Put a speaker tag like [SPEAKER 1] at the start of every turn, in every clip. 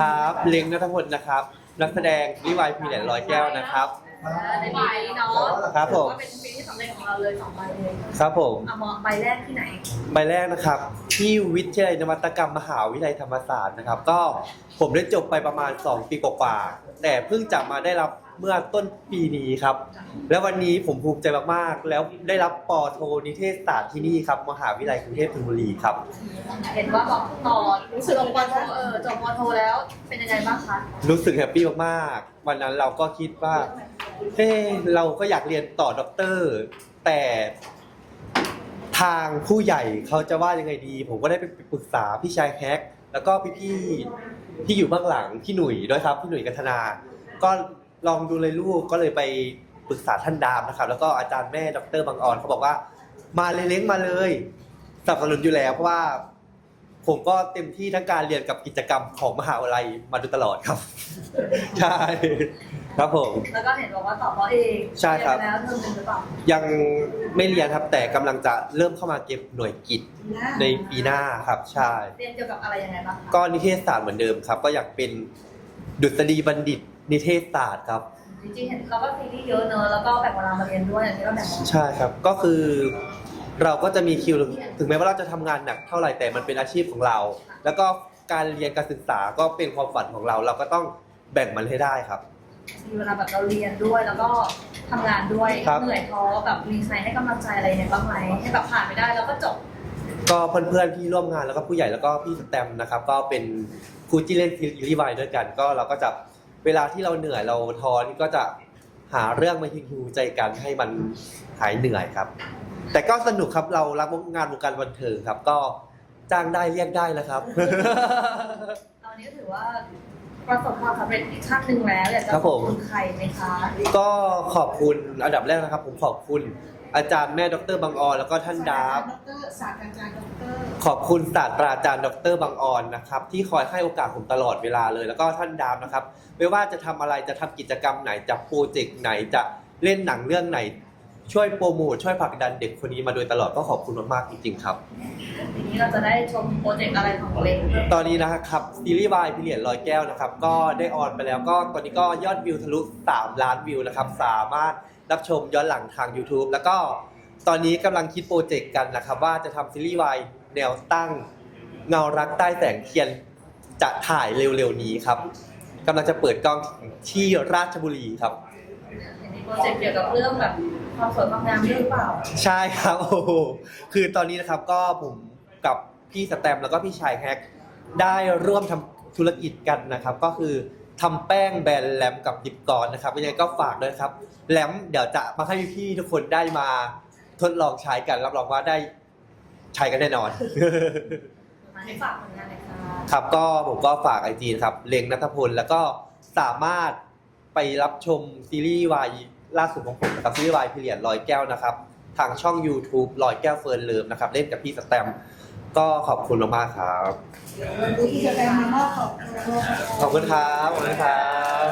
[SPEAKER 1] ครับเล้งณัฐพลนะครับนักแสดงวิวายพีแหลนร้อยแก้วนะครับ
[SPEAKER 2] ในปีนี้เนาะ
[SPEAKER 1] ครับผม
[SPEAKER 2] ว่าเป็นปีที่สำเร็จของเราเลย2 ใบเลย
[SPEAKER 1] ครับผม
[SPEAKER 2] ใบแรกที่ไหน
[SPEAKER 1] ใบแรกนะครับที่วิทยาลัยนวัตกรรมมหาวิทยาลัยธรรมศาสตร์นะครับก็ผมได้จบไปประมาณ2 ปีกว่าๆแต่เพิ่งจะมาได้รับเมื่อต้นปีนี้ครับแล้ววันนี้ผมภูมิใจมากๆแล้วได้รับป.โทนิเทศศาสตร์ที่นี่ครับมหาวิทยาลัยกรุงเทพธนบุรีครับ
[SPEAKER 2] เห็นว่าบอกต่อรู้สึกป.โทจบป.โทแล้วเป็นยังไงบ้างคะ
[SPEAKER 1] รู้สึกแฮปปี้มากๆวันนั้นเราก็คิดว่าเราก็อยากเรียนต่อด็อกเตอร์แต่ทางผู้ใหญ่เขาจะว่ายังไงดีผมก็ได้ไปปรึกษาพี่ชายแฮกแล้วก็พี่ที่อยู่เบื้องหลังพี่หนุ่ยด้วยครับพี่หนุ่ยกัฒนาก็ลองดูเลยลูกก็เลยไปปรึกษาท่านดามนะครับแล้วก็อาจารย์แม่ดร.บังออนเขาบอกว่ามาเลยเล้งมาเลยสนับสนุนอยู่แล้วเพราะว่าผมก็เต็มที่ทั้งการเรียนกับกิจกรรมของมหาวิทยาลัยมาโดยตลอดครับใช่ครับผม
[SPEAKER 2] แล้วก็เห็นบอกว่าต่อป.เอก
[SPEAKER 1] ใช่ครับ
[SPEAKER 2] แล้วเทอมนึงหรือเปล่า
[SPEAKER 1] ยังไม่เรียนครับแต่กำลังจะเริ่มเข้ามาเก็บหน่วยกิจในปีหน้าครับใช่
[SPEAKER 2] เรียนเกี่ยวกับอะไรยังไงบ้าง
[SPEAKER 1] ก็นิเทศศาสตร์เหมือนเดิมครับก็อยากเป็นดุษฎีบัณฑิตนิเทศศาสตร์ครับ
[SPEAKER 2] จริงๆเห็นเราก็ซีรีส์เยอะเนอะแล้วก็แบ่งเวลามาเรียนด้วยอย่างที่เราแบ่ง
[SPEAKER 1] ใช่ครับก็คือเราก็จะมีคิวถึงแม้ว่าเราจะทำงานหนักเท่าไหร่แต่มันเป็นอาชีพของเราแล้วก็การเรียนการศึกษาก็เป็นความฝันของเราเราก็ต้องแบ่งมันให้ได้ครับ
[SPEAKER 2] มีเวลาแบบเราเรียนด้วยแล้วก็ทำงานด้วยเหนื่อยท้อแบบมีใครให้กำลังใจอะไรเนี่ยบ้างไหมให้แบบผ่านไปได้แล้วก็จบ
[SPEAKER 1] ก็เพื่อนๆที่ร่วมงานแล้วก็ผู้ใหญ่แล้วก็พี่สแตมนะครับก็เป็นครูที่เล่นซีรีส์วายด้วยกันก็เราก็จะเวลาที่เราเหนื่อยเราท้อนี่ก็จะหาเรื่องมาฮิวใจกันให้มันหายเหนื่อยครับแต่ก็สนุกครับเรารักงานวงการบันเทิงครับก็จ้างได้เรียกได้นะครับ
[SPEAKER 2] ตอนนี้ถือว่าประสบความสำเร็จอีกขั้นหนึ่งแล้วอยากจะขอบคุณใครไหมคะ
[SPEAKER 1] ก็ขอบคุณอันดับแรกนะครับผมขอบคุณอาจารย์แม่ดร.บังออนแล้วก็ท่านดาบ
[SPEAKER 3] ศาสตราจารย์ดร.
[SPEAKER 1] ขอบคุณศาสตราจารย์ดร.บังออนนะครับที่คอยให้โอกาสผมตลอดเวลาเลยแล้วก็ท่านดาบนะครับไม่ว่าจะทำอะไรจะทำกิจกรรมไหนจะโปรเจกต์ไหนจะเล่นหนังเรื่องไหนช่วยโปรโมทช่วยผลักดันเด็กคนนี้มาโดยตลอดก็ขอบคุณมากๆจริงๆครับ
[SPEAKER 2] ทีนี้เราจะได้ชมโปรเจกต์อะไรของเล็ก
[SPEAKER 1] ตอนนี้นะครับซีรีส์วายพีเรียดร้อยแก้วนะครับก็ได้ออนไปแล้วก็ตอนนี้ก็ยอดวิวทะลุ3 ล้านวิวนะครับสามารถรับชมย้อนหลังทาง YouTube แล้วก็ตอนนี้กำลังคิดโปรเจกต์กันนะครับว่าจะทำซีรีส์วายแนวตั้งเงารักใต้แสงเทียนจะถ่ายเร็วๆนี้ครับกำลังจะเปิดกล้องที่ราชบุรีครับ
[SPEAKER 2] โปรเจกต์เกี่ยวกับเรื่องแบบความสวยความงามหรือเปล่า
[SPEAKER 1] ใช่ครับโอ้โหคือตอนนี้นะครับก็ผมกับพี่สแตมแล้วก็พี่ชายแฮกได้ร่วมทำธุรกิจกันนะครับก็คือทำแป้งแบรนด์แลมกับดิบกรนะครับยังไงก็ฝากด้วยครับแลมเดี๋ยวจะมาให้พี่ๆทุกคนได้มาทดลองใช้กันรับรองว่าได้ใช้กันแน่นอน
[SPEAKER 2] มาให้ฝากผลงานหน่อยค่ะ
[SPEAKER 1] ครับก็ผมก็ฝาก IG นะครับเล็งณัฐพลแล้วก็สามารถไปรับชมซีรีส์วายล่าสุดของผมนะครับซีรีส์วายพีเรียดร้อยแก้วนะครับทางช่อง YouTube ร้อยแก้วเฟิร์นเลิฟนะครับเล่นกับพี่สแตมก็ขอบคุณมากๆครับ
[SPEAKER 3] ที่จะแปลมามอบ
[SPEAKER 1] ขอบคุณครับขอบคุณครับ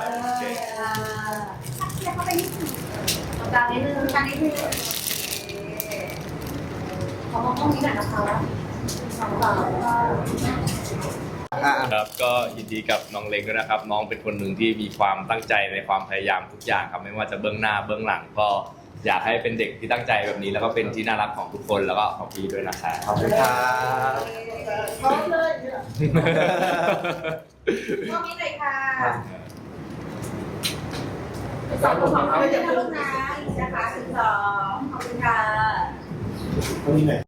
[SPEAKER 2] เข้าไปนิดนึงกลางนิดนึงกลางนิดนึงขอมองกล้องนี้หน่อยนะคะ
[SPEAKER 4] ครับก็ยินดีกับน้องเล็กด้วยนะครับน้องเป็นคนหนึ่งที่มีความตั้งใจในความพยายามทุกอย่างครับไม่ว่าจะเบื้องหน้าเบื้องหลังก็อยากให้เป็นเด็กที่ตั้งใจแบบนี้แล้วก็เป็นที่น่ารักของทุกคนแล้วก็ของพี่ด้วยนะครับ
[SPEAKER 1] ขอบคุณครับ
[SPEAKER 3] พร้อมเลยพร้อมนี้เลยค่ะสองเดี๋ยวลูกนะนะคะ12ขอบคุณค่ะ